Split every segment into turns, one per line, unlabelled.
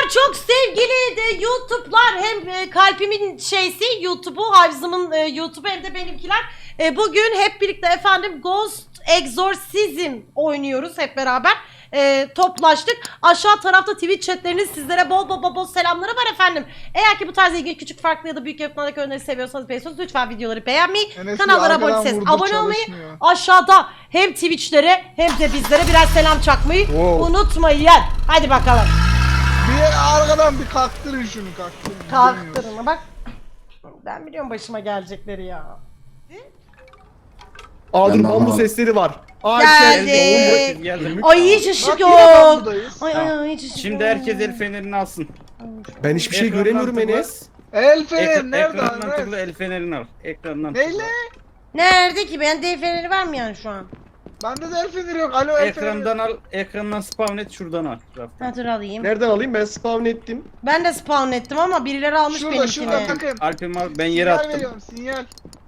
çok sevgili de YouTube'lar hem kalbimin şeysi YouTube'u, Havzım'ın YouTube'u hem de benimkiler. Bugün hep birlikte efendim Ghost Exorcism oynuyoruz hep beraber. Toplaştık. Aşağı tarafta Twitch chatleriniz sizlere bol selamları var efendim. Eğer ki bu tarz ilgili küçük farklı ya da büyük yapımlardaki önerileri seviyorsanız beğeniyorsanız lütfen videoları beğenmeyi, kanallara abone olmayı, aşağıda hem Twitch'lere hem de bizlere birer selam çakmayı unutmayın. Hadi bakalım.
Bir arkadan bir kalktırın şunu
Kalktırın bak. Ben biliyorum başıma gelecekleri ya.
Dur bambu sesleri var.
Geldi. Ay hiç ışık yok. Ay hiç ışık yok.
Şimdi herkes el fenerini alsın.
Ben hiçbir şey göremiyorum Enes.
El fener nerede?
Ekrandan tıkla el fenerini al. Ekrandan
Neyle?
tıkla.
Nerede ki? Ben de feneri var mı yani şu an?
Bende de el feneri yok. Alo el feneri.
Ekrandan al. Ekrandan spawn et şuradan al.
Ha dur alayım.
Nereden alayım? Ben spawn ettim.
Ben de spawn ettim ama birileri almış
Şurada
benimkini.
bakın.
Alp'im al. Ben yere
Sinyal
attım.
veriyorum sinyal.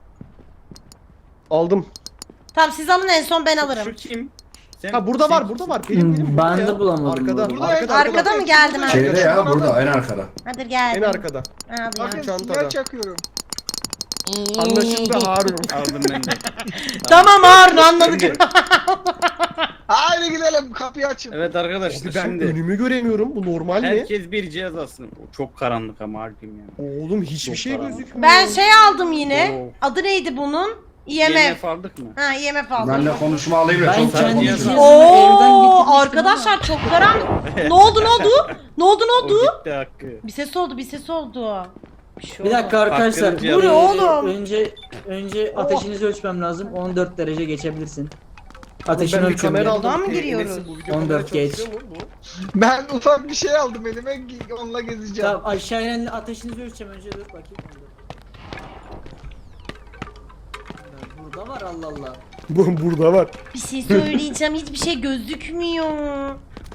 Aldım.
Tamam siz alın en son ben alırım.
Şu kim? Sen,
Ha burada var, burada var. Benim
Ben
burada
de
ya.
bulamadım
Arkada,
bunu.
Arkada mı geldim ben?
Şeyde ya burada en arkada.
Hadi
En
geldim.
arkada.
Hadi
Bakın
ya.
Çantada.
sinyal çakıyorum.
Anlaşıldı Harun.
aldım ben de.
Tamam Harun anladık.
Şimdi-
Haydi gidelim kapıyı açın.
Evet arkadaşlar
Ben
şimdi
önümü göremiyorum. Bu normal mi?
herkes bir cihaz alsın. Çok karanlık ama Alp'im ya.
Oğlum hiçbir
Çok
şey
karanlık.
gözükmüyor.
Ben şey aldım yine.
Oo.
Adı neydi bunun? IMF.
IMF aldık mı?
Ha IMF aldım.
Ben de konuşma alayım da
Ben
çok
kendi
cihazı-
cihazımı evden
Oo
getirmiştim
arkadaşlar çok karanlık. Ne oldu? Ne oldu?
O gitti hakkı.
Bir ses oldu. Bir şey
Bir dakika arkadaşlar.
Hakkınız cihazı-
Bu ne oğlum?
Önce ateşinizi ölçmem lazım. 14 derece geçebilirsin. Ateşini
Ben bir
ölçüyorum.
kamera
ya.
aldım.
Buradan mı
Enes'in
giriyoruz?
bu video
14
kamera
geç.
çalışıyor mu bu?
Ben ufak bir şey aldım elime onunla gezeceğim.
Tamam aşağı inen ateşinizi ölçeceğim önce dur bakayım. Burada var Allah Allah.
Burada var.
Bir şey söyleyeceğim. Hiçbir şey gözükmüyor.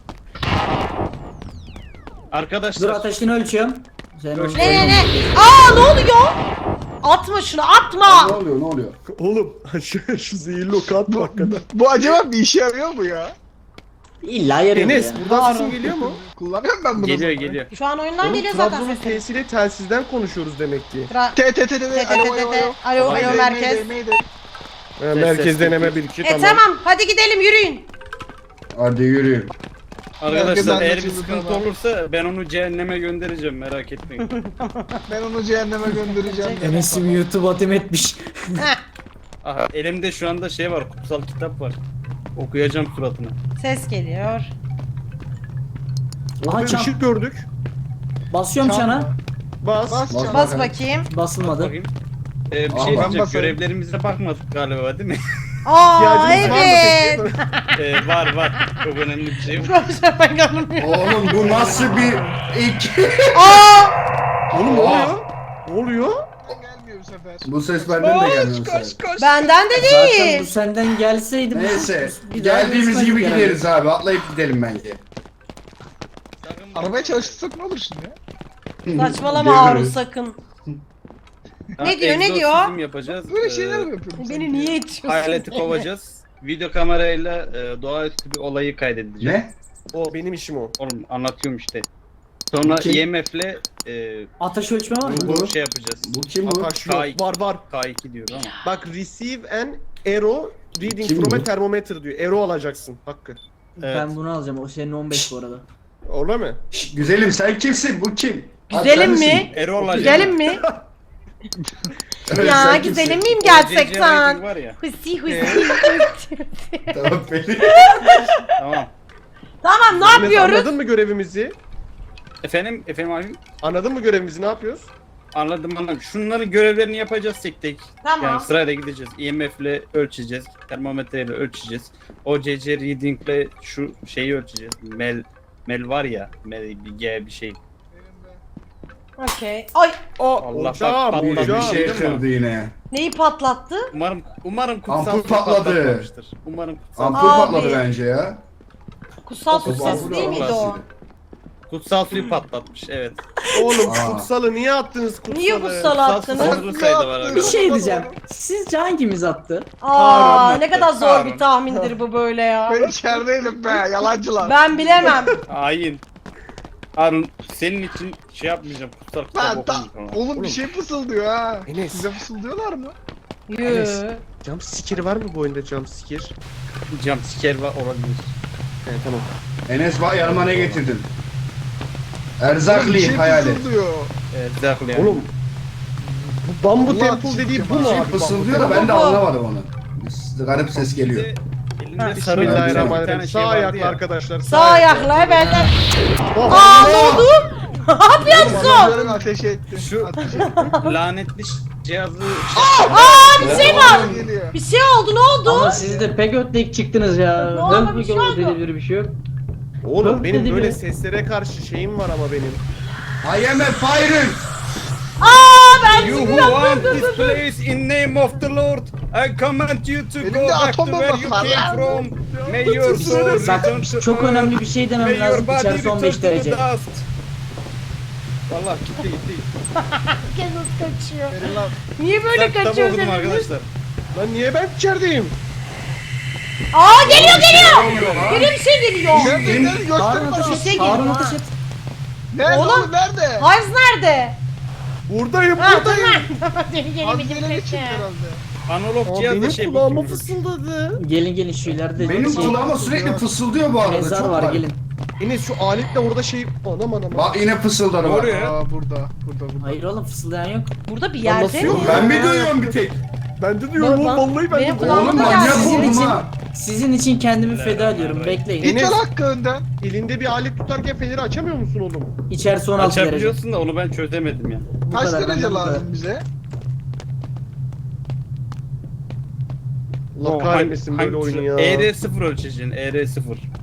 Arkadaşlar
Dur ateşini ölçüyorum. Sen
Ölç.
Ne? Aa ne oluyor? Atma şunu
Ne
atma.
oluyor ne oluyor?
Oğlum şu zehirli oku atma hakikaten.
Bu acaba bir işe yarıyor mu ya?
İlla yarıyor
Enes
ya.
buradan sesin geliyor mu?
Kullanıyorum ben bunu.
geliyor.
Şu an oyundan
Oğlum
geliyor zaten
Trabzon'un
sesin.
T'siyle telsizden konuşuyoruz demek ki.
Alo merkez.
Merkez deneme 1 2 tamam.
Tamam hadi gidelim yürüyün.
Hadi yürüyün.
Arkadaşlar eğer bir
anlaşıldı,
sıkıntı
tamam.
olursa ben onu cehenneme göndereceğim merak etmeyin.
Ben onu cehenneme göndereceğim.
Enes'im YouTube atem etmiş.
Aha, elimde şu anda şey var, kutsal kitap var. Okuyacağım suratına.
Ses geliyor.
Aha
Aha, çan.
ışık gördük.
Basıyorum
Çan.
çana.
Bas.
Bas
Bas bakayım.
Basılmadı.
Bakayım. Bir şey
Aa, ben
diyeceğim,
basayım.
görevlerimize bakmadık galiba değil mi?
Aa
İhtiyacınız var mı
evet.
peki?
Var. Çok önemli bir şey var.
Profesör ben görmüyorum.
Oğlum bu nasıl bir ilk?
Aa!
Oğlum ne oluyor? Ne oluyor?
Gelmiyor bu sefer.
Bu ses benden de gelmiyor sen.
Benden de
Zaten
değil.
bu senden gelseydi.
Neyse
bir daha
geldiğimiz
görüşmezdik
gibi
herhalde.
gideriz abi atlayıp gidelim bence.
Arabaya çalıştırsak ne olur şimdi ya?
Saçmalama Harun sakın. Ne diyor, ne diyor?
Egzorsizm yapacağız.
Böyle şeyler mi yapıyorum?
Beni niye itiyorsun?
Hayaleti kovacağız. Video kamerayla doğaüstü bir olayı kaydedeceğiz.
Ne?
O benim işim o.
Oğlum anlatıyorum işte. Sonra
Kim?
IMF'le
Ateş ölçme var mı?
Bu-
şey yapacağız.
Bu kim bu?
Akaş yok.
K2.
Var.
K2 diyor ama.
Bak receive an arrow reading
Kim
from
bu?
a thermometer diyor. Arrow alacaksın Hakkı.
Evet.
Ben bunu alacağım. O senin 15 bu arada.
Öyle mi?
Şş, güzelim sen kimsin? Bu kim? Abi,
Güzelim
sen
mi?
misin?
Erol olacak.
Güzelim mi?
Evet,
Ya
sen
güzelim
kimsin?
miyim
CC
gerçekten?
rating var ya.
Hısi.
Tamam peki.
Tamam.
Tamam ne
Enes,
yapıyoruz?
Anladın mı görevimizi?
Efendim abi.
Anladın mı görevimizi ne yapıyoruz?
Anladım. Şunların görevlerini yapacağız tek tek.
Tamam.
Yani sırayla gideceğiz. IMF'le ölçeceğiz. Termometreyle ölçeceğiz. OCC reading'le şu şeyi ölçeceğiz. Mel var ya. Mel bir G bir şey.
Okey. Ay
Allah
hocam,
bak,
Bir
hocam.
şey kırdı yine.
neyi patlattı?
Umarım kutsal
Ampul
su
patladı.
patlatmamıştır. Umarım kutsal
Ampul
Abi.
patladı bence ya.
Kutsal su
Kutsal
sesi
su
değil miydi o?
patladı.
kutsal suyu patlatmış. Evet.
Oğlum
Aa.
kutsalı niye attınız kutsalı?
Niye kutsal attınız?
Fazla sayıda var
Bir
arkadaşlar.
şey diyeceğim. Sizce hangimiz attı?
Aa
Harun
ne kadar
attı,
zor
Harun.
bir tahmindir bu böyle ya.
Ben içerideydim be yalancılar.
Ben bilemem.
Hain. Harun senin için şey yapmayacağım. Kutsal kitap
Lan
okumayacağım.
oğlum bir şey fısıldıyor ha.
Enes.
Size fısıldıyorlar mı?
Yürü.
Jump scare var mı bu oyunda jump scare?
Jumpscare var olabilir.
He tamam.
Enes bak yanıma ne getirdin?
Oğlum bir
Erzakli
şey
hayali.
fısıldıyor.
Zaklı yani.
Oğlum bu Bambu
Allah
Temple dediği bu mu
şey
abi?
Fısıldıyor da ben de anlamadım onu. Garip ses geliyor.
Elinde sarı bir
Bismillahirrahmanirrahim.
tane şey
Sağ
vardı
ayakla
ya.
arkadaşlar.
Sağ ayakla benden.
Oh,
Aa ne oldu? Ne
Bana
yapıyorsun?
böyle ateş etti.
Şu-
Ateş etti.
Lanetli cihazı
Bir şey var.
Geliyor.
Bir şey oldu ne oldu?
Ama siz de pek ötleyip çıktınız ya.
Ne oldu,
Hıh
bir şey
bir
oldu.
dedi bir şey yok.
Oğlum
Öf
benim
dedi
böyle
biri.
seslere karşı şeyim var ama benim.
I am a fighter.
Aa ben
You who want this place in name of the Lord, I command you to
Elimde
go back to
atom
where you
bombası var
came
lan.
from. May your soul
Bak
return to
çok
earth.
önemli bir şey
May
demem
your
lazım.
body
İçerisi
return
15
to the
derece.
dust. Vallahi gitti.
herkes nasıl kaçıyor?
Verin lan.
Niye böyle
Kitap
kaçıyor
okudum
dediniz?
arkadaşlar.
Lan niye ben içerideyim?
Aa geliyor geliyor. Geliyor bir şey geliyor.
Nerede nerede göster
Harun
bana.
ateş
şey
et.
geliyor
Harun
ha.
ateş et.
Nerede
Oğlum.
oğlum nerede?
Hives nerede?
Buradayım
Ha
buradayım.
tamam. Seni
Az
gelemedim
ileri çıktı
peki.
herhalde.
Analog
Aa,
cihazda
benim
şey
kulağıma
bakıyorum.
fısıldadı.
Gelin şu ileride
Benim
şey,
kulağıma sürekli fısıldıyor bu arada.
mezar
çok
var gelin.
Enes şu aletle orada şey... Anam anam.
Bak yine fısıldadı
Ne
bak.
oluyor ya?
Aa burada.
Hayır oğlum fısıldayan yok.
Burada bir
Lan
yerde
nasıl
mi?
yok?
Ben mi duyuyorum bir tek?
Ben de diyorum
Baba,
oğlum vallahi ben
benim
de
kulağıma
Oğlum
da
manyak
geldi.
Sizin
oldum
için,
ha.
sizin için kendimi feda ediyorum. Bekleyin.
İt
Enes-
hakkı önden.
Elinde bir alet tutarken feneri açamıyor musun oğlum?
İçerisi 16 derece.
Açabiliyorsun da onu ben çözemedim ya.
Bu
Kaç
kadar,
derece
benden bu kadar.
lazım bize?
Allah kahretmesin böyle oyunu ya.
ER0 ölçeceksin, ER0.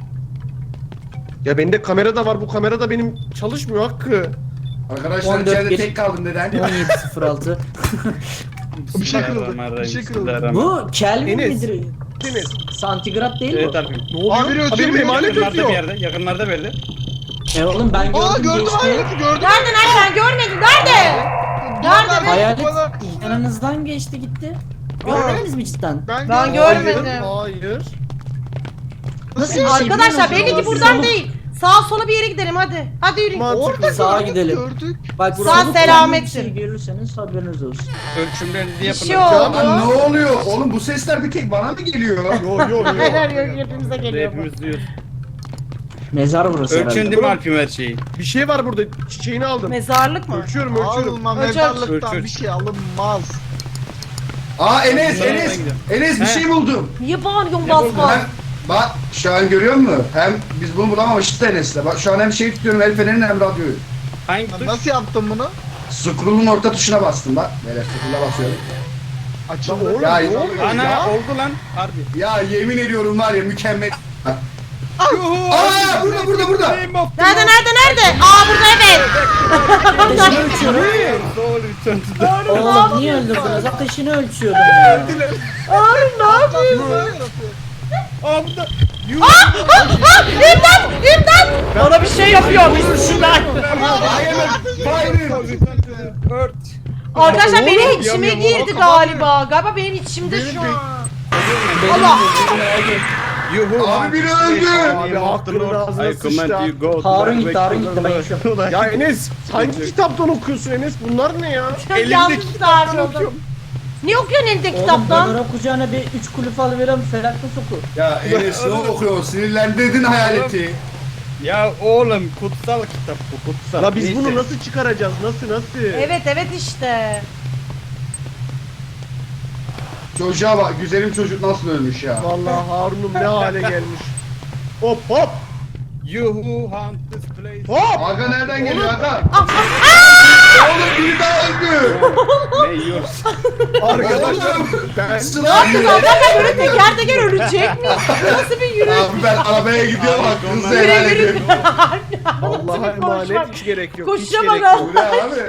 Ya bende kamera da var, bu kamera da benim çalışmıyor Hakkı.
Arkadaşlar
14
içeride
geç-
tek kaldım neden?
17.06.
Bir şey kırıldı, bir şey kırıldı.
Bu Kelvin
Enes.
midir?
Enes.
Santigrat değil
Evet
mi?
abi.
Ne oluyor?
Abi, ötüyor,
benim
biri
emanet
Yakınlarda bir
ötüyor.
yerde, yakınlarda belli.
Oğlum ben gördüm
Aa gördüm
geçti.
hayaleti gördüm.
Nerede ben görmedim. Nerede?
Nerede?
Hayalet
Bana...
yanınızdan geçti gitti. Görmediniz mi cidden?
Ben görmedim.
Hayır.
Nasıl bir şey
Arkadaşlar
biliyor musunuz?
belli ki buradan değil. Sağa sola bir yere gidelim hadi. Hadi yürüyün.
Mantıklı.
Orada
Sağa
gördük,
gidelim.
gördük.
Bak
Sağ
sabuk
selametsin.
bir şey görürseniz haberiniz olsun.
Ölçümlerinizi
Bir
yapın.
şey
Ya
oldu.
lan ne oluyor? Oğlum bu sesler bir tek bana mı geliyor?
Yo.
Hayır yok hepimize geliyor bu.
Hepimiz duyuyoruz.
Mezar burası
Ölçün
herhalde.
değil mi Alp'im her şeyi?
Bir şey var burada. Çiçeğini aldım.
Mezarlık mı?
Ölçüyorum.
Alma
Ölçer.
mezarlıktan
Ölçer.
bir şey alınmaz.
Aa Enes,
Mezarlığa
Enes.
gidelim.
Enes bir
He.
şey buldum.
Niye bağırıyorsun
Ne buldun
basma?
Hem, bak şu an görüyor musun? Hem biz bunu bulamamıştık da Enes'le. Bak şu an hem şey tutuyorum el fenerini hem radyoyu.
Hangi tuş?
Nasıl yaptın bunu?
Scroll'un orta tuşuna bastım bak. Böyle scroll'a basıyorum.
Açıldı.
Ya,
ne oluyor
Ana
ya?
oldu lan. Harbi.
Ya yemin ediyorum var ya mükemmel.
Yuhu!
Aa burada.
Nerede? Aa burada evet.
Ateşini ölçüyorum.
Soul return to the-
Oğlum niye öldürdünüz? Ateşini ölçüyordum ya.
Abi ne yapıyorsun?
Aa burada. Yuhu!
İmdat! Bana bir şey yapıyor. Bismillah.
Soul return to the earth.
Arkadaşlar
Oğlum,
benim içime
yanıyor,
girdi
kapat.
galiba. Benim içimde
Benim
şu
de-
an.
Benim
Allah!
Yuhu!
Abi biri öldü.
Abi hakkının ağzına
I command
sıçtı.
you go to
Harun
the
gitti, Harun gitti. Ben yaşıyorum.
Ya Enes hangi kitaptan okuyorsun Enes? Bunlar ne ya?
Yanlış tarif oldu. Ne okuyorsun elinde
Oğlum
kitaptan?
Dönara kucağına bir 3 kulüp alıveren felaklı soku.
Ya Enes ne okuyor? Sinirlendirdin hayaleti.
Ya oğlum kutsal kitap bu kutsal.
La biz
Neyse.
bunu nasıl çıkaracağız? Nasıl?
Evet işte.
Çocuğa bak güzelim çocuk nasıl ölmüş ya.
Vallahi Harun'um ne hale gelmiş. Hop.
Yuhu hunt this place.
Hop.
Aga nereden geliyor aga?
Ah,
Oğlum biri daha öldü.
Ne yiyorsun?
Arkadaşlar ben
Sıra
Zaten böyle teker teker ölecek mi? Nasıl bir yürüyüş?
Abi ben arabaya gidiyorum bak hızlı
Yürü,
helal
yürü.
ediyorum.
Allah'a
Nasıl bir konuşma?
emanet hiç gerek yok. Hiç
Koşacağım
gerek
aga.
yok.
Bu ne abi?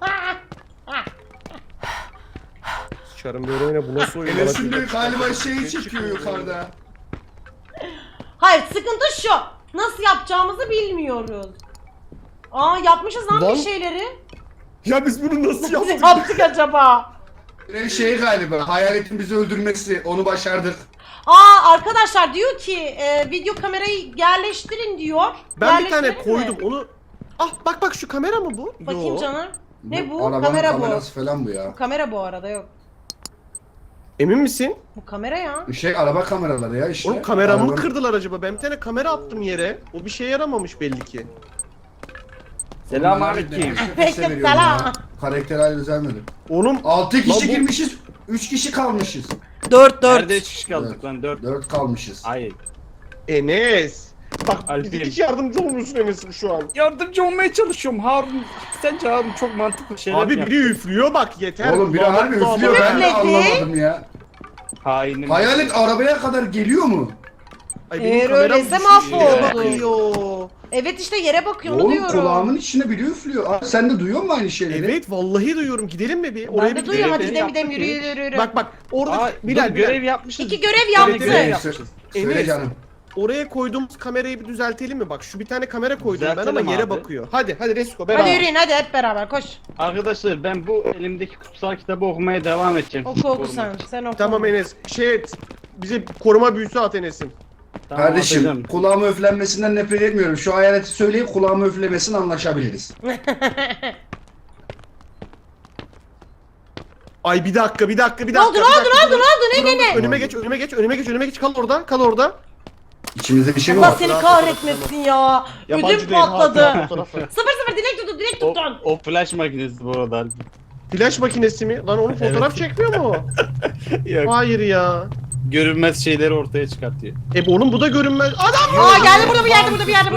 Sıçarım böyle oyuna bu nasıl oyun?
Enes'in de galiba şeyi çekiyor yukarıda.
Hayır sıkıntı şu. Nasıl yapacağımızı bilmiyoruz. Aa yapmışız lan
Lan.
bir şeyleri.
Ya biz bunu nasıl
Nasıl
yaptık?
yaptık acaba?
Şey galiba hayaletin bizi öldürmesi onu başardık.
Aa arkadaşlar diyor ki video kamerayı yerleştirin diyor.
Ben bir tane
Yerleştirelim mi?
koydum onu. Ah bak şu kamera mı bu?
Bakayım
Yo.
canım. Ne bu?
Arabanın
Kamera bu.
kamerası falan bu ya.
Bu kamera bu arada yok.
Emin misin?
Bu kamera ya.
Araba kameraları ya işte.
Oğlum kameramı mı
Arabanın-
kırdılar acaba? Ben bir tane kamera attım yere. O bir şeye yaramamış belli ki.
Selamünaleyküm.
Aleyküm selam.
Karakter düzelmedi.
Oğlum
6 kişi
Lan bu-
girmişiz. 3 kişi kalmışız.
4
Nerede 3 kişi kaldık lan 4.
4 kalmışız.
Hayır.
Enes. Bak
Alp'im.
hiç yardımcı olmuyorsun Enes'im şu an.
Yardımcı olmaya çalışıyorum Harun. Sence Harun çok mantıklı şeyler
Abi
mi
biri üflüyor bak yeter.
Oğlum biri
Allah
harbi
Allah.
üflüyor, ben de
Üfledi.
anlamadım ya.
Hainim.
Hayalet arabaya kadar geliyor mu?
Ay,
Eğer
kameram
öyleyse
düşmüş,
mahvoldu.
yere bakıyor.
Evet işte yere bakıyor onu
Oğlum
diyorum.
kulağımın içine biri üflüyor. Abi, sen de duyuyor musun aynı şeyleri?
Evet vallahi duyuyorum. Gidelim mi bir?
Ben de
bir
duyuyorum hadi
gidelim.
gidelim yürü yürü yürü.
Bak orada
Aa,
Bilal,
dur,
Bilal.
görev yapmışız.
İki görev yaptı.
Evet,
görev
evet.
yapmışız.
Söyle
Enes.
canım.
Oraya koyduğumuz kamerayı bir düzeltelim mi? Bak şu bir tane kamera koydum ben
Düzeltelim
ama yere
abi.
bakıyor. Hadi Resko
Hadi
beraber.
yürüyün hadi hep beraber koş.
Arkadaşlar ben bu elimdeki kutsal kitabı okumaya devam edeceğim.
Oku oku
Koruma.
sen oku.
Tamam Enes. Şey et. Bize koruma büyüsü at Enes'im.
Tamam,
Kardeşim
atacağım.
kulağımı üflenmesinden nefret etmiyorum. Şu hayaleti söyleyip kulağımı üflemesini anlaşabiliriz.
Ay bir dakika.
Ne oldu ne?
Önüme geç kal orada.
İçimizde bir şey mi
Allah
var?
seni kahretmesin ya. Ödüm patladı. Sıfır dilek tuttun.
O flash makinesi bu arada.
Flash makinesi mi? Lan onun fotoğraf çekmiyor mu?
Yok.
Hayır ya.
Görünmez şeyleri ortaya çıkartıyor.
Oğlum bu da görünmez. Adam!
Aa geldi burada bir yerde burada bir yerde.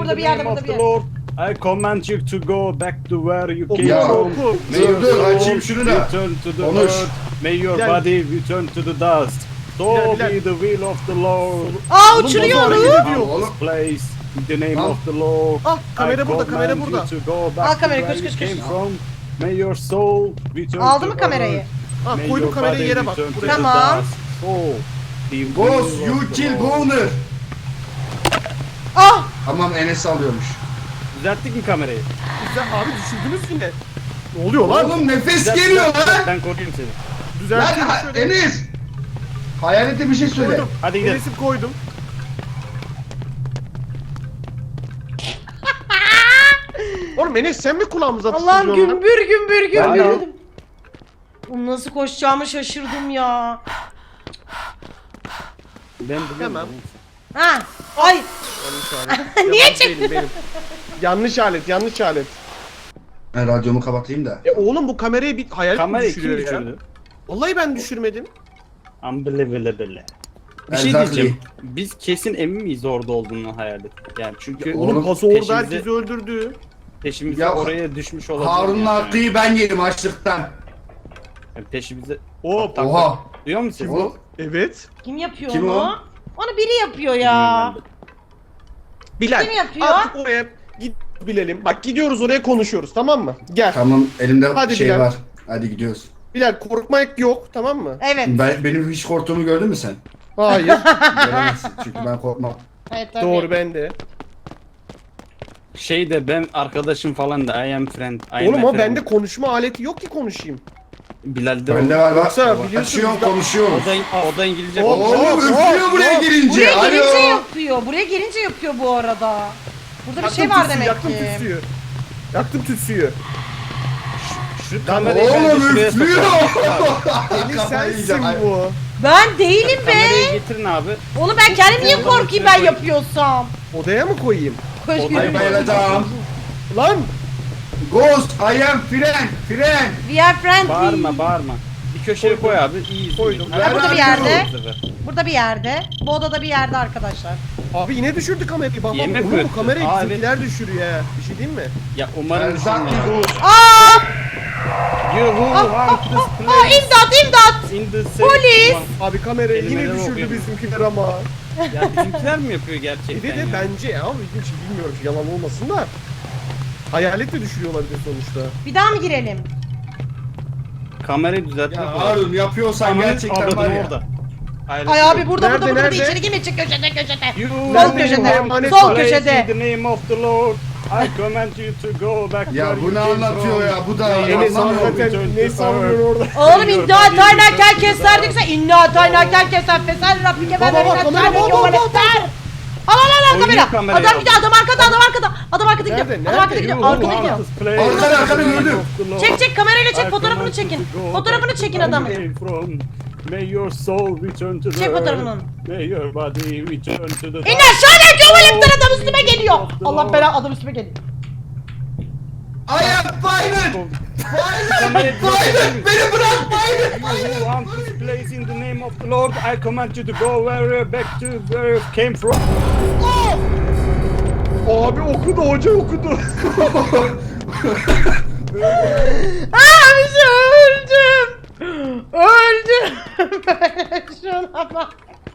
I command you to go back to where you
Oku,
came
Ya.
from.
oku.
May your
Dur,
soul
açayım şunu da.
return to the
Konuş.
earth. May your
Bilal.
body return to the dust. So
Bilal.
be the will of the Lord.
Aa
Oğlum,
uçuruyor
bozor
onu.
hareket ediyor.
Tamam, oğlum.
Place in the name
Al.
of the Lord.
Ah kamera
I
burada kamera
command
burada.
you to go back
Al
to
kamerayı,
where
koş,
you
koş,
came
koş.
from. May your soul return
Aldı
to
mı kamerayı?
earth.
Ah
May
koydum
your
kamerayı
body
yere bak.
return to
Buraya.
the
Tamam.
dust. So be the
Ghost,
will
you
of the
kill
Lord.
Boner.
Ah
Tamam Enes alıyormuş.
Düzelttik mi kamerayı?
Güzel abi düşürdünüz yine. Ne oluyor lan?
Oğlum nefes
Düzelt,
geliyor
düzelt,
lan.
Ben koruyayım seni.
Lan
Düzelttim şöyle.
Enes. Hayalete bir şey söyle.
Koydum.
Hadi gidelim.
Enes'im koydum. Oğlum Enes sen mi kulağımıza
Allah'ım
fısıldıyorsun lan?
gümbür
Ben de-
dedim. Oğlum nasıl koşacağımı şaşırdım ya.
Ben biliyorum.
Tamam.
Ha. Ay.
Yanlış alet.
Niye
Yabancı
çektin?
değilim benim. Yanlış alet.
Ben radyomu kapatayım da.
Oğlum bu kamerayı bir hayal
Kamerayı kim
düşürüyor ya.
düşürdü?
Vallahi ben düşürmedim.
Unbelievable. Bir şey
Exactly.
diyeceğim. Biz kesin emin miyiz orada olduğunu hayal et. Yani çünkü
Oğlum,
Paso orada
peşimize-
herkesi öldürdü.
peşimize
Ya,
oraya düşmüş olabilir.
Harun'un
yani.
hakkıyı ben yedim açlıktan.
Yani peşimize...
Hop.
Tak,
Oha.
Duyuyor musun?
Oğlum,
Evet.
Kim yapıyor
Kim
onu?
o?
Onu biri yapıyor ya.
Bilmiyorum
Bilal.
Kim yapıyor?
Artık oraya git bilelim. Bak gidiyoruz oraya konuşuyoruz tamam mı? Gel.
tamam elimde
Hadi
şey
Bilal.
var. Hadi gidiyoruz.
Bilal korkmak yok tamam mı?
Evet.
Benim hiç korktuğumu gördün mü sen?
Hayır.
Göremezsin çünkü ben korkmam.
Evet tabii.
Doğru ben de.
Şey de ben arkadaşım falan da I am friend. I am
Oğlum
a
o
friend.
bende konuşma aleti yok ki konuşayım.
Bilal'de
Bende var bak.
Yoksa biliyorsun
Açıyorum
biz-
konuşuyorum.
o da İngilizce
Oğlum,
konuşuyor.
Oğlum üflüyor buraya girince.
Buraya gelince
Alo.
yapıyor. Buraya gelince yapıyor bu arada. Burada bir
Yaktım
şey var
tütsüyü,
demek
yaktım
ki.
tütsüyü. Yaktım tütsüyü.
Şu kamerayı bence
Oğlum
şuraya
üflüyor.
Eli
Kafayı
sensin
yiyeceğim.
bu.
Ben değilim be.
Kamerayı getirin abi.
Oğlum ben kendim niye korkayım ben yapıyorsam?
Odaya mı koyayım?
Koş
Odaya
yürü.
Bayılacağım.
Lan!
Ghost, I am friend. Friend.
We are friendly.
Bağırma. Bir köşeye koy abi. İyi.
Koydum.
Ha, burada bir yerde.
Bu sefer.
Burada bir yerde. Bu odada bir yerde arkadaşlar.
Abi yine düşürdü kamerayı. Bak
Yemek
oğlum
mi
bu
öttü?
kamerayı
Aa,
bizimkiler düşürüyor ya. Bir şey diyeyim mi?
Ya umarım
Erzak
düşünme.
Ghost.
Aa!
You who want this
Aa
place
imdat!
in the safe
Polis!
one.
Abi kamerayı yine
Kelimeleri
düşürdü
okuyorum.
bizimkiler ama.
Ya bizimkiler mi yapıyor gerçekten
Bir de
ya?
bence ya hiç bilmiyorum yalan olmasın da. Hayalet de düşürüyor olabilir sonuçta.
Bir daha mı girelim?
Kamerayı düzeltmek
Ya
lazım.
Harun yapıyorsan
Kameranın
gerçekten
avradını
var ya.
orada. Hayır,
Ay abi burada
Nerede,
burada
nerede?
içeri girme çık köşede.
You
Sol
who
köşede,
want this
sol
place
köşede.
In the name of the Lord, I command you to go back
Ya
where
bu
you
ne
came
anlatıyor
from.
ya? Bu da
Enes
anlamıyor.
hakikaten ne savunuyor orada?
Oğlum inna ataynâ kel keser dikse inna ataynâ kel keser fesel rabbike
Baba, baba, kamera, baba, baba,
ben Al
Oynuyor
kamera.
kamerayı
Adam gidiyor, adam arkada. Adam arkada gidiyor.
Nerede,
Adam arkada
nerede?
gidiyor.
Yuh,
Arkada gidiyor.
Arkada gördüm.
Çek kamerayla çek, fotoğrafını çekin. Fotoğrafını çekin adamın.
May your soul return to the
Çek fotoğrafını.
earth. May your body return to the
İn aşağıya tuvaletler, adam üstüme geliyor. Allah bela, adam üstüme geliyor.
I am Biden! Biden! Beni bırak Biden!
You want this place in the name of the Lord, I command you to go where back to where you came from.
Abi okudu, hoca okudu.
Abi öldüm. Öldüm. Şuna bak.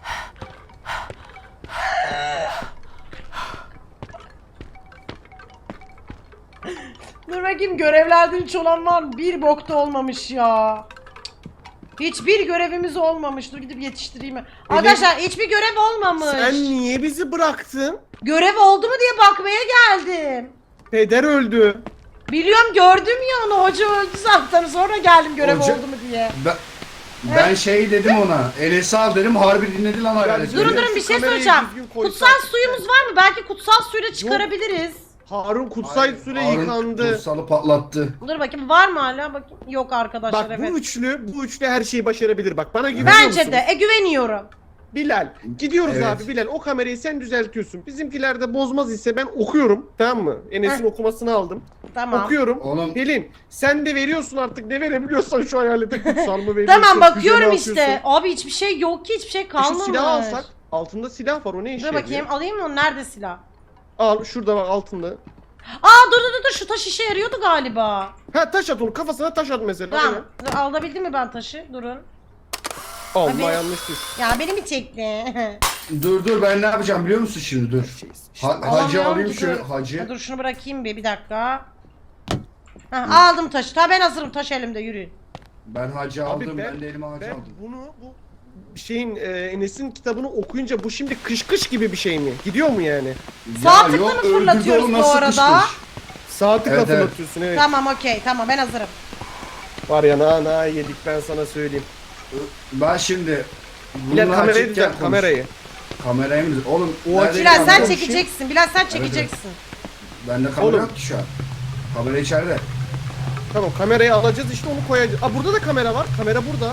Dur bakayım, görevlerden hiç olan var mı? Bir bokta olmamış ya. Hiçbir görevimiz olmamış. Dur gidip yetiştireyim. Arkadaşlar hiçbir görev olmamış.
Sen niye bizi bıraktın?
Görev oldu mu diye bakmaya geldim.
Peder öldü.
Biliyorum, gördüm ya onu. Hoca öldü zaten. Sonra geldim görev
Hoca-
oldu mu diye.
Ben şey dedim ona. Enes'i al dedim. Harbi dinledi lan hayalet.
Durun
beni.
durun, bir şey
Kamerayı
söyleyeceğim.
düzgün koysak.
Kutsal suyumuz var mı? Belki kutsal suyla çıkarabiliriz.
Harun kutsal
Hayır,
süre
Harun
yıkandı.
Kutsalı patlattı.
Dur bakayım, var mı hala? Bakayım. Yok arkadaşlar,
Bak
evet.
bu üçlü her şeyi başarabilir. Bak bana güveniyor
Bence
musun?
de. Güveniyorum.
Bilal. Gidiyoruz
Evet.
abi Bilal. O kamerayı sen düzeltiyorsun. Bizimkiler de bozmaz ise ben okuyorum. Tamam mı? Enes'in okumasını aldım.
Tamam.
Okuyorum.
Oğlum
Pelin sen de veriyorsun artık, ne verebiliyorsan şu hayalete, kutsal mı veriyorsun?
Tamam, bakıyorum
füze mi
işte.
atıyorsun?
Abi hiçbir şey yok ki, hiçbir şey
Şu
kalmamış.
silahı alsak. Altında silah var, o ne işe
Dur bakayım,
yarıyor?
alayım mı onu? Nerede silah?
Al şurada bak altında.
Dur, şu taş işe yarıyordu galiba.
Ha taş at onu, kafasına taş at mesela.
Tamam.
Aynen.
Dur, alabildim mi ben taşı? Durun.
Allah
Abi-
yanlıştır.
Ya beni mi çekti?
dur ben ne yapacağım biliyor musun şimdi dur. Hacı
Alamıyorum
alayım
ki,
şöyle
dur.
hacı.
Ha, dur şunu bırakayım bir dakika. Aldım taşı. Tamam, ben hazırım. Taş elimde, yürüyün.
Ben hacı
Abi
aldım ben de elime hacı
ben
aldım.
bu şeyin Enes'in kitabını okuyunca bu şimdi kış gibi bir şey mi? Gidiyor mu yani?
Sağ
Ya
tıkla
yok,
mı fırlatıyoruz
öldürdü oğlum,
bu
nasıl
arada?
kışkış?
Saati
Evet,
hatırlatıyorsun evet.
Tamam, okey. Tamam, ben hazırım.
Var ya na yedik, ben sana söyleyeyim.
Ben şimdi
Bilal
bununla
kamerayı
açıkken
düzelt, kamerayı.
Kamerayı mı? Oğlum
O
nerede
açı-
Bilal
kamera?
sen
Tamam,
çekeceksin. Bilal sen çekeceksin.
Bende kamera
Oğlum.
yok ki şu an. Kamera içeride.
Tamam, kamerayı alacağız işte, onu koyacağız. Aa burada da kamera var. Kamera burada.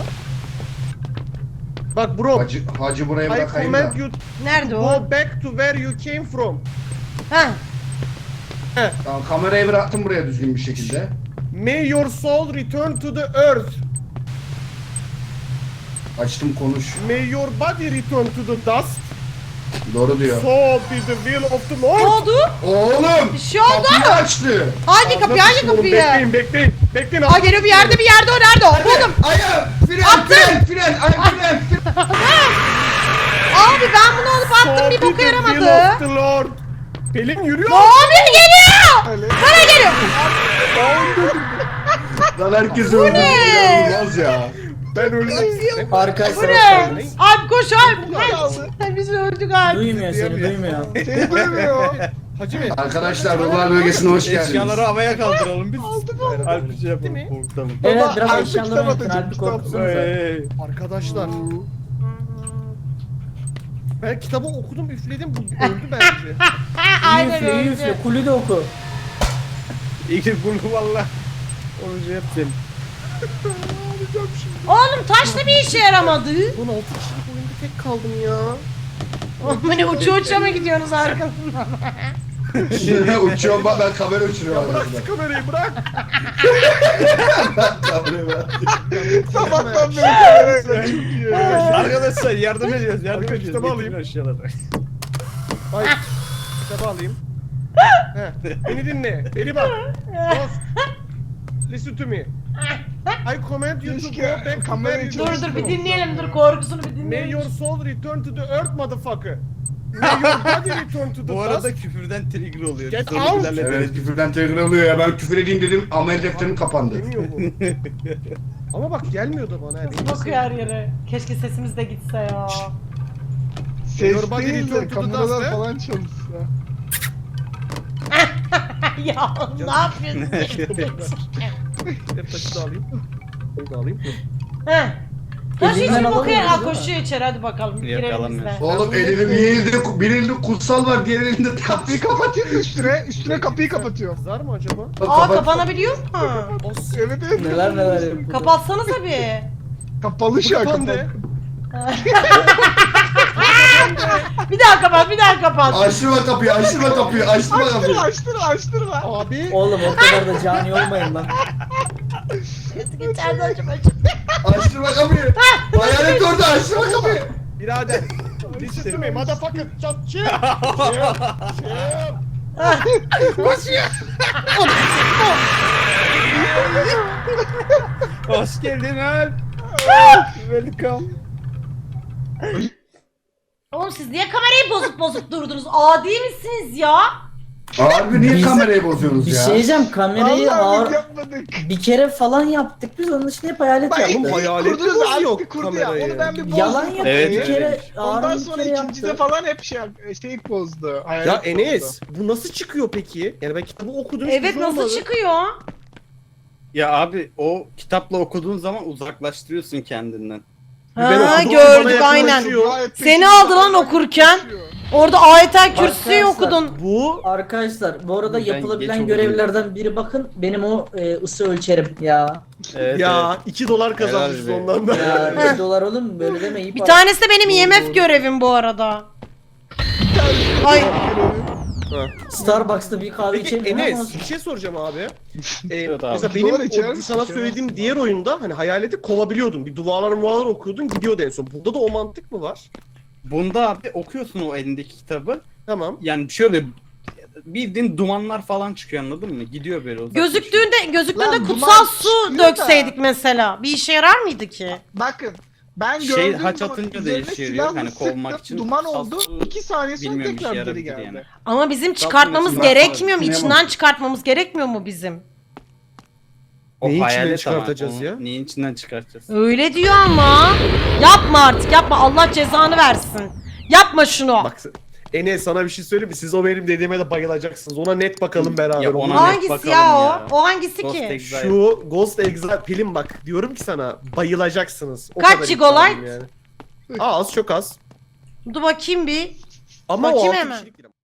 Bak bro.
Hacı buraya
I
bırakayım da.
command you
Nerede o?
go back to where you came from.
Ha.
Tamam, kamerayı bıraktım buraya düzgün bir şekilde.
May your soul return to the earth.
Açtım konuş.
May your body return to the dust.
Doğru diyor.
So be the will of the
Ne
Lord.
oldu?
Oğlum!
Bir şey oldu.
Kapıyı açtı.
Hangi kapıyı? Hangi
Oğlum,
kapıyı?
Bekleyin. Bekleyin.
Aa, geliyor bir yerde, o. Nerede o? Buldum.
Ayağım! Fren!
Abi ben bunu alıp attım, bir boka yaramadı.
The Lord. Pelin yürüyor.
Ne oluyor? Geliyor. Bana geliyor.
Lan herkes öldü.
ne?
İnanılmaz ya.
Ben öldüm.
Arkadaşlar
Bu ne? Alp koş Alp. Biz öldük Alp.
duymuyor seni duymuyor.
Seni duymuyor. Hacı Bey.
Arkadaşlar ruhlar bölgesine hoş geldiniz.
Eşyaları havaya kaldıralım biz. Alp bir şey
Değil mi?
yapalım. Korkutalım.
Evet
Baba,
biraz
artık
eşyalarını
kitap
yatın
atacak,
Alp'i
kitap.
korkutsanıza.
Arkadaşlar. Ben kitabı okudum, üfledim, bu öldü bence.
Aynen
Üfle
öyle.
üfle kulü de oku.
İyi bunu valla. Onu şey yapayım.
Oğlum taş da bir işe yaramadı.
16 kişilik oyunda tek kaldım ya.
Oğlum ne uça mı gidiyorsunuz arkasından?
Uçuyorum bak, ben kamera uçuruyorum.
Bırak şu kamerayı, bırak.
Kamerayı bırak.
Sabahtan beri kamerayla çok iyi.
Arkadaşlar yardım ediyoruz. Yardım
Arkadaş,
ediyoruz.
kitabı
Getirin
alayım.
aşağılara.
Ay, kitabı alayım. Heh, beni dinle, beni bak. Dost, listen to me. I command you to go
Keşke
back to
kamerayı
where you
Dur
came
bir
from.
dinleyelim, dur korkusunu bir
May
dinleyelim.
your soul return to the earth, motherfucker. May your body return to the
Bu arada
dust.
küfürden trigger oluyor.
Get
Biz onu
out.
hallederiz.
Evet, küfürden tekrar oluyor ya. Ben küfür edeyim dedim, amel defterim kapandı.
Demiyor bu. Ama bak gelmiyor da bana.
Nasıl bakıyor her yere? Keşke sesimiz de gitse ya.
Ses
Your body
değil
return
de
to the dust,
kameralar
he?
falan çalışsa.
Ya ne yapıyorsun?
Hep taşı da alayım. Bunu da alayım.
Heh. Taş
Elinden
hiç okuyor.
alamıyoruz
Ha
değil mi?
koşuyor içeri hadi bakalım. Girelim biz de.
Yakalanmıyor.
Oğlum bir elinde kutsal var, diğer elinde
Kapıyı kapatıyor üstüne kapıyı kapatıyor.
Kızar mı acaba?
Aa kapanabiliyor mu?
Evet evet.
Neler yapıyor.
Kapatsanıza bir.
Kapalı şu an
Kapandı.
kapalı.
Bir daha kapat, bir daha kapat.
Açtırma kapıyı, açtırma kapıyı, açtırma kapıyı.
Açtırma.
Abi.
Oğlum o kadar da cani olmayın lan.
İçeride acaba.
Açtırma kapıyı. Hayalet orada, açtırma kapıyı.
Birader. Listen to me motherfucker. Çat çık.
Hoş geldin Alp. Welcome.
Oğlum siz niye kamerayı bozup durdunuz? Adi misiniz ya?
Harbi niye
Biz-
kamerayı bozuyorsunuz
Bir
ya?
şey diyeceğim, kamerayı
Vallahi biz
ağır...
yapmadık.
Bir kere falan yaptık biz, onun dışında hep hayalet
Bak
yaptık.
Oğlum, hayaletimiz
kurdunuz, Alp
yok
bir kurdu
kamerayı.
ya. Onu ben bir bozdum.
Yalan yaptık
Evet,
bir kere,
öyleymiş.
Ondan
Harun bir
sonra
kere
ikincide
yaptı.
falan hep şey bozdu. Hayalet
Ya Enes
bozdu.
bu nasıl çıkıyor peki? Yani ben kitabı okudum. hiçbir
Evet
şey
nasıl
olmadı.
çıkıyor?
Ya abi o kitapla okuduğun zaman uzaklaştırıyorsun kendinden.
Ben
Ha
okudum,
gördük
bana
aynen.
yaklaşıyor.
Gayet
Seni
peşinde
aldı lan
hala
okurken.
koşuyor.
Orada ayetel kürsüyü
Arkadaşlar,
okudun.
Bu
Arkadaşlar bu arada
Ben geç
yapılabilen
okudum.
görevlerden biri, bakın benim o ısı ölçerim ya.
Evet,
ya $2 kazanmışız
Helal be.
ondan da.
Ya 1 dolar oğlum, böyle deme, iyi
Bir
para.
tanesi de benim
Doğru,
IMF
doğru.
görevim bu arada. Ay
Starbucks'ta bir kahve
Peki
içelim.
Enes bir şey soracağım abi.
Evet abi.
Mesela
Dolar
benim
içer
o,
misin?
sana söylediğim diğer oyunda hani hayaleti kovabiliyordun. Bir duvarlar okuyordun, gidiyordu en son. Burada da o mantık mı var?
Bunda abi okuyorsun o elindeki kitabı.
Tamam.
Yani şöyle bildiğin dumanlar falan çıkıyor, anladın mı? Gidiyor böyle uzaklaşıyor.
gözüktüğünde
Lan
kutsal
duman
su
çıkıyor da.
dökseydik mesela. Bir işe yarar mıydı ki?
Bakın ben
Şey,
gördüğüm
haç
zaman
atınca
üzerine
değişiyor,
silahla
hani kovmak
sıktım,
için
duman
kutsal
oldu.
su
2 saniye sonra
bilmiyorum,
tekrar
işe
geri
yarabilir
geldi.
yani.
Ama bizim
Zaten
çıkartmamız
mesela
gerekmiyor mu?
yapmadım.
İçinden çıkartmamız gerekmiyor mu bizim?
O
Neyin içinden
hayalet ama,
çıkartacağız
onu
ya?
Neyin içinden çıkartacağız?
Öyle diyor ama. Yapma artık yapma, Allah cezanı versin. Yapma şunu.
Bak Enes sana bir şey söyleyeyim mi? Siz o benim dediğime de bayılacaksınız. Ona net bakalım beraber.
Ya
Onu
ona
net-
Hangisi
bakalım
ya o?
ya.
O hangisi
Ghost
ki?
Exile.
Şu Ghost Exile Pelin bak diyorum ki sana bayılacaksınız. O
Kaç
kadar
Gigolite?
iddialıyım yani. Az çok az.
Dur bakayım bir.
Ama
Bakayım
o 6
hemen.
kişilik değil.